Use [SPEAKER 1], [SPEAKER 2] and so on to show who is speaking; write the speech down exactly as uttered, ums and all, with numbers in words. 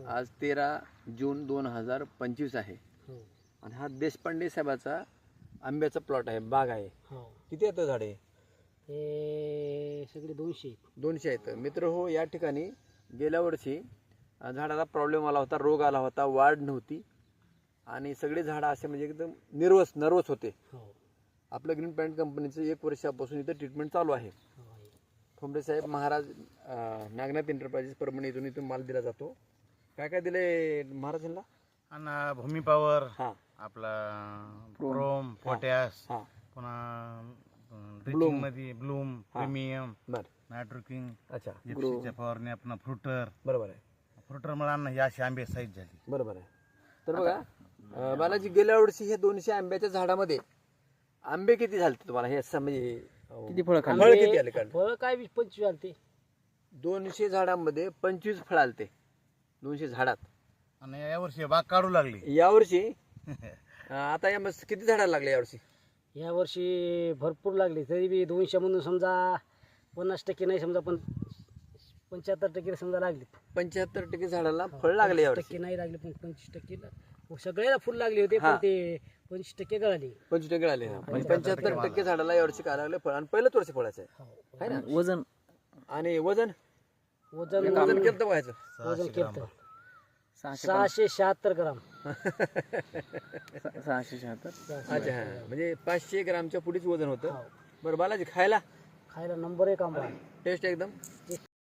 [SPEAKER 1] आज तेरा जून दोन हजार पंचवीस आहे
[SPEAKER 2] हो
[SPEAKER 1] आणि हा देशपांडे साहेबाचा आंब्याचा प्लॉट आहे, बाग आहे.
[SPEAKER 2] हो
[SPEAKER 1] किती येतं झाडे?
[SPEAKER 2] हे सगळे दोनशे आहेत.
[SPEAKER 1] दोनशे आहेत. मित्र हो, या ठिकाणी गेल्या वर्षी अ, झाडाला प्रॉब्लेम आला होता, रोग आला होता, वाढ नव्हती आणि सगळे झाडं असे म्हणजे एकदम निर्वस नर्वस होते.
[SPEAKER 2] हो
[SPEAKER 1] आपलं ग्रीन पॅन्ट कंपनीचं एक वर्षापासून इथं ट्रीटमेंट चालू आहे.
[SPEAKER 2] हो आहे.
[SPEAKER 1] ठोंबरे साहेब महाराज अ, नागनाथ एंटरप्राइजेस परभणी इथून इथून माल दिला जातो. काय काय दिले महाराजांना?
[SPEAKER 3] आणि भूमी पॉवर,
[SPEAKER 1] हां
[SPEAKER 3] आपला क्रोम, पोटॅश,
[SPEAKER 1] हां
[SPEAKER 3] पुन्हा ड्रिचिंग मध्ये ब्लूम, प्रीमियम,
[SPEAKER 1] बरं
[SPEAKER 3] नायट्रोकिंग,
[SPEAKER 1] अच्छा
[SPEAKER 3] जिप्सीच्या फवारणी, आपण फ्रुटर
[SPEAKER 1] बरोबर आहे
[SPEAKER 3] फ्रुटर मला अन्न ही अशी आंबे साईज झाली.
[SPEAKER 1] बरोबर आहे. तर बघा अ, बालाजी, गेल्या वर्षी हे दोनशे आंब्याच्या झाडामध्ये आंबे किती झाले तुम्हाला? हे असं म्हणजे किती फळ फळ किती आले? काढ
[SPEAKER 2] फळ काय वीस पंचवीस आलते.
[SPEAKER 1] दोनशे झाडांमध्ये पंचवीस फळ आलते दोनशे झाडात.
[SPEAKER 3] आणि यावर्षी बाग काढू लागली.
[SPEAKER 1] यावर्षी अ, आता या मस्त किती झाडाला लागले यावर्षी?
[SPEAKER 2] या वर्षी भरपूर लागले, तरी बी दोनशे म्हणून समजा पन्नास टक्के नाही, समजा पण पंच्याहत्तर टक्के समजा लागले.
[SPEAKER 1] पंच्याहत्तर टक्के झाडाला फळ लागले यावर्षी.
[SPEAKER 2] टक्के नाही लागले पण पंचवीस टक्के ला- सगळ्याला फुल लागले होते, पण ते पंचवीस टक्के गळाले.
[SPEAKER 1] पंचवीस टक्के आले. म्हणजे पंच्याहत्तर टक्के झाडाला यावर्षी काय लागले फळ, आणि पहिलंच वर्ष फळाचं आहे,
[SPEAKER 2] हो.
[SPEAKER 1] है ना?
[SPEAKER 4] वजन
[SPEAKER 1] आणि वजन
[SPEAKER 2] वजन
[SPEAKER 1] वजन केलं तर व्हायचं
[SPEAKER 2] वजन केलं
[SPEAKER 4] सहाशे
[SPEAKER 2] सहाशे शहात्तर ग्राम.
[SPEAKER 4] सहाशे शहात्तर
[SPEAKER 1] अच्छा हा, म्हणजे पाचशे ग्रामच्या पुढेच वजन होतं.
[SPEAKER 2] हो.
[SPEAKER 1] बरं बालाजी, खायला
[SPEAKER 2] खायला नंबर एक आंबा.
[SPEAKER 1] टेस्ट एकदम